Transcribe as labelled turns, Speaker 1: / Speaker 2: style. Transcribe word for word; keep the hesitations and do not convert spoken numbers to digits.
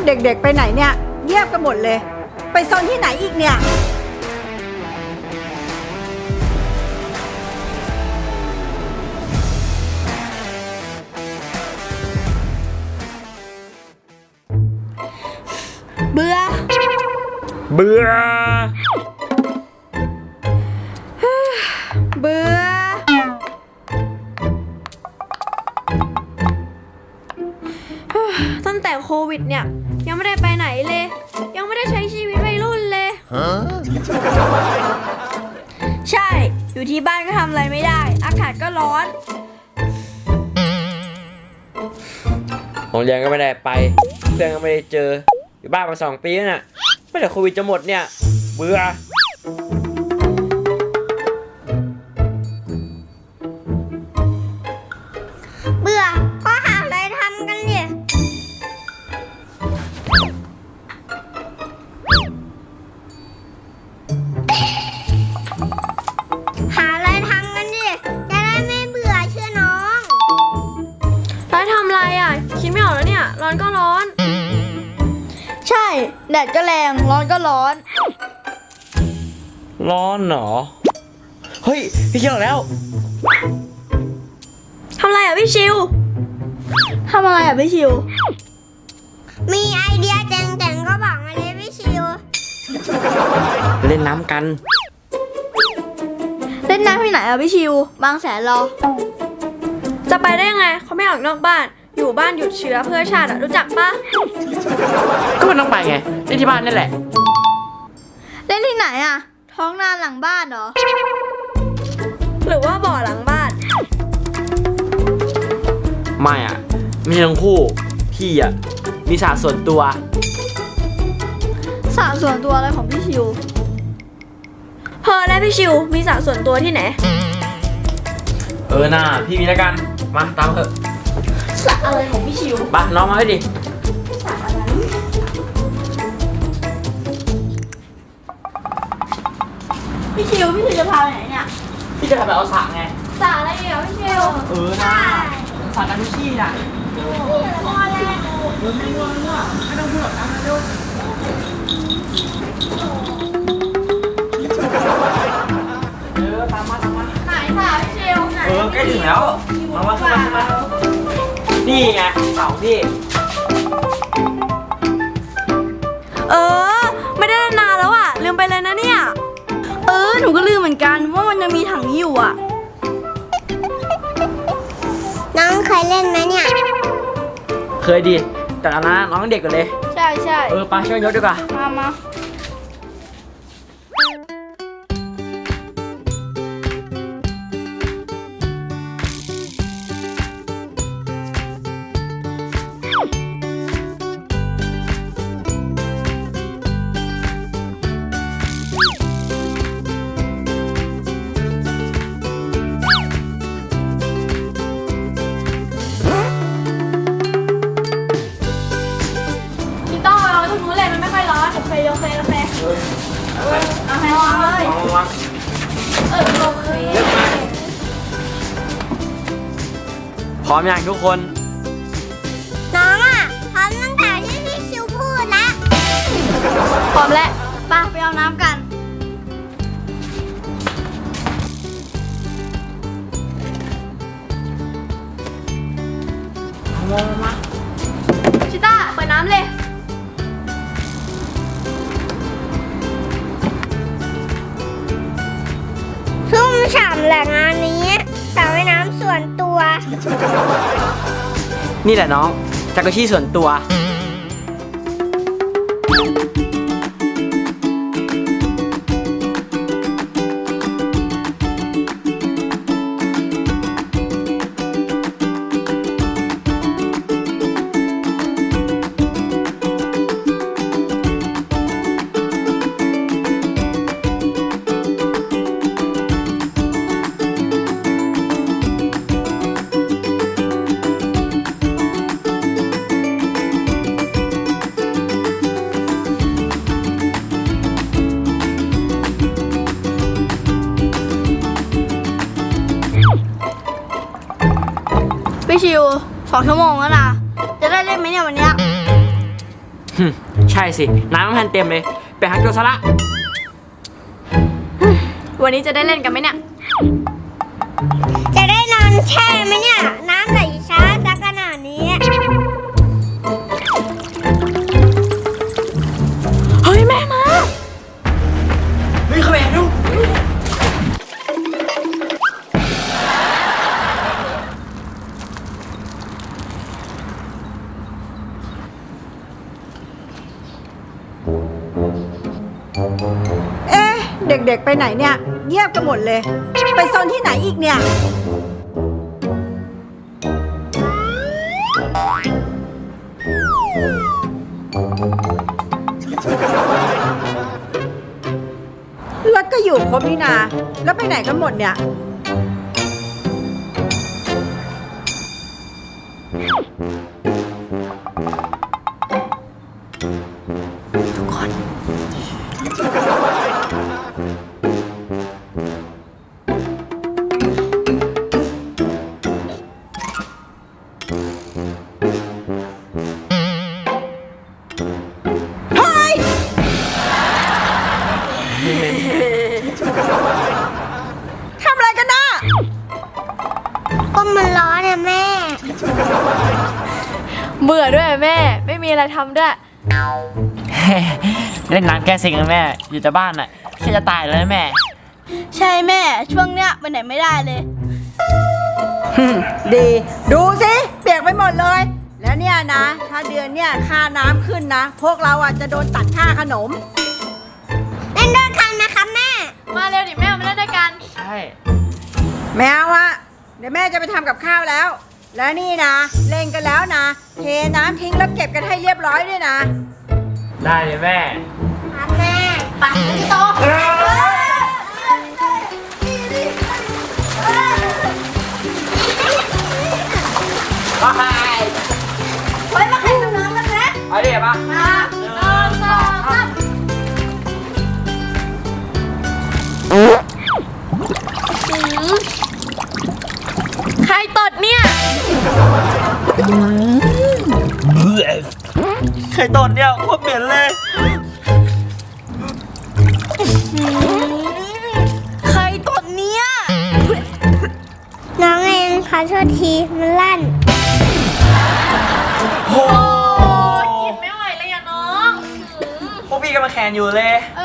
Speaker 1: เด็กๆไปไหนเนี่ยเงียบกันหมดเลยไปโซนที่ไหนอีกเนี่ยเบื่อ
Speaker 2: เบื่อ
Speaker 1: เบื่อ
Speaker 3: ตั้งแต่โควิดเนี่ยยังไม่ได้ไปไหนเลยยังไม่ได้ใช้ชีวิตวัยรุ่นเลยใช่อยู่ที่บ้านก็ทำอะไรไม่ได้อากาศก็ร้อน
Speaker 2: โรงเรียนก็ไม่ได้ไปเพื่อนก็ไม่ได้เจออยู่บ้านมาสองปีแล้วน่ะเมื่อไหร่โควิดจะหมดเนี่ยเบื่อ
Speaker 3: เบื่อก็หาอะไรทำกันเนี่ยหาอะไรทำกันดิจะได้ไม่เบื่อเชื่อน้องแล้วทำอะไรอ่ะคิดไม่ออกแล้วเนี่ยร้อนก็ร้อนใช่แดดก็แรงร้อนก็ร้อน
Speaker 2: ร้อนเหรอเฮ้ยพี่เชื่อแล้ว
Speaker 3: ทำอะไรอ่ะพี่ชิวทำอะไรอ่ะพี่ชิวมีไอเดียเจ๋งๆก็บอกมาเลยพี่ชิว
Speaker 2: เล่นน้ำกัน
Speaker 3: เล่นน้ำที่ไหนอ่ะพี่ชิวบางแสนรอจะไปได้ยังไงเขาไม่ออกนอกบ้านอยู่บ้านหยุดเชื้อเพื่อชาติรู้จักปะ
Speaker 2: ก็มันต้องไปไงเล่นที่บ้านนั่นแหละ
Speaker 3: เล่นที่ไหนอ่ะท้องนาหลังบ้านเหรอหรือว่าบ่อหลังบ้าน
Speaker 2: ไม่อ่ะไม่ใช่ทั้งคู่พี่อ่ะมีสระส่วนตัว
Speaker 3: สระส่วนตัวอะไรของพี่ชิวเพอและพี่ชิวมีสระส่วนตัวที่ไหน
Speaker 2: เออน่าพี่มีแล้วกันมาตามเถอะ
Speaker 3: สระอะไรของพี่ชิว
Speaker 2: ไปน้องมาให้ดิ
Speaker 3: สระอะไรพี่ชิวพี่ชิวจะพาไปไหนเนี่ย
Speaker 2: พี่จะพาไปเอาสระไง
Speaker 3: สระอะไรเหรอพี่ชิว
Speaker 2: เออน่าสระกันทุกที่น่ะ
Speaker 3: พอแล้ว
Speaker 2: เออไม่ง่วงอ่ะไม่ต้องพูดหรอกนะเร็วเออตามมาตามมา
Speaker 3: ไหนสระพี่ชิวไหน
Speaker 2: เออใกล้ถึงแล้วมามาขึ้นมาขึ้นมานี่ไงเสาพี่
Speaker 3: เออไม่ได้นานแล้วอ่ะลืมไปเลยนะเนี่ยเออหนูก็ลืมเหมือนกันว่ามันยังมีถังนี้อยู่อ่ะน้องเคยเล่นไหมเนี่ย
Speaker 2: เคยดิแต่อันนั้นน้องเด็กกันเลย
Speaker 3: ใช่ใช่
Speaker 2: เออไปช่วยยกดีกว่า
Speaker 3: มามาโอเคโอเคโอเคเอาให้วางเลยเออโอเค
Speaker 2: พร้อมยังทุกคน
Speaker 3: น้องอ่ะพร้อมตั้งแต่ที่พี่ชิวพูดแล้วพร้อมแล้วไปไปเอาน้ำกัน
Speaker 2: มามา
Speaker 3: ชิต้าเปิดน้ำเลยชุ่มฉ่ำแหละงานนี้สระว่ายน้ำส่วนตัว
Speaker 2: นี่แหละน้องจักรชี่ส่วนตัว
Speaker 3: พี่ชิวสองชั่วโมงแล้วนะจะได้เล่นไหมเนี่ยวันเนี้ย
Speaker 2: หึใช่สิ น้ำมันเต็มเลย ไปหาโจรซะละ
Speaker 3: วันนี้จะได้เล่นกันไหมเนี่ย
Speaker 4: จะได้นอนแช่ไหมเนี่ย น้ำไหลช้าสักขนาดนี้
Speaker 3: เฮ้ย แม่มา
Speaker 2: เฮ้ยเข้าไปดู
Speaker 1: เอ๊ะ เด็กๆไปไหนเนี่ย เงียบกันหมดเลย ไปซนที่ไหนอีกเนี่ย แล้วก็อยู่ครบนี่นา แล้วไปไหนกันหมดเนี่ย เฮ้ย ทำอะไรกันนะ
Speaker 4: ก็มันร้อนอะแม่
Speaker 3: เบื่อด้วยแม่ ไม่มีอะไรทำด้วย
Speaker 2: เล่นน้ำแก้เซ็งนะแม่ อยู่แต่บ้านอ่ะแค่จะตายแล้วนะแม่
Speaker 3: ใช่แม่ ช่วงเนี้ยไปไหนไม่ได้เลย
Speaker 1: ดี ดูสิเปียกไปหมดเลย แล้วเนี่ยนะ ถ้าเดือนเนี่ยค่าน้ำขึ้นนะ พวกเราอ่ะจะโดนตัดค่าขนม
Speaker 4: เล่นด้วยกันนะคะแม่
Speaker 3: มาเร็วดิแม่มาเล่นด้วยกัน
Speaker 2: ใช่
Speaker 1: แมวอะเดี๋ยวแม่จะไปทำกับข้าวแล้ว แล้วนี่นะ เล่นกันแล้วนะ เทน้ำทิ้งแล้วเก็บกันให้เรียบร้อยด้วยนะ
Speaker 2: ได้เลยแม่
Speaker 4: ครับแม่
Speaker 3: ไปพี่โต
Speaker 2: ไป
Speaker 3: ไว้มาแข่งกับน้ำกันนะ
Speaker 2: เอาดิปะ
Speaker 3: มาหนึ่งสองสามใครตดเนี่ย
Speaker 2: ไข่ตดเนี่ยโคตรเหม็นเลย
Speaker 3: ใครตดเนี่ย
Speaker 4: น้องเองขอโทษทีมันลั่น
Speaker 2: โอ้
Speaker 3: กินไม่ไหวเลยอะน้อง
Speaker 2: พวกพี่ก็มาแข่งอยู่เลย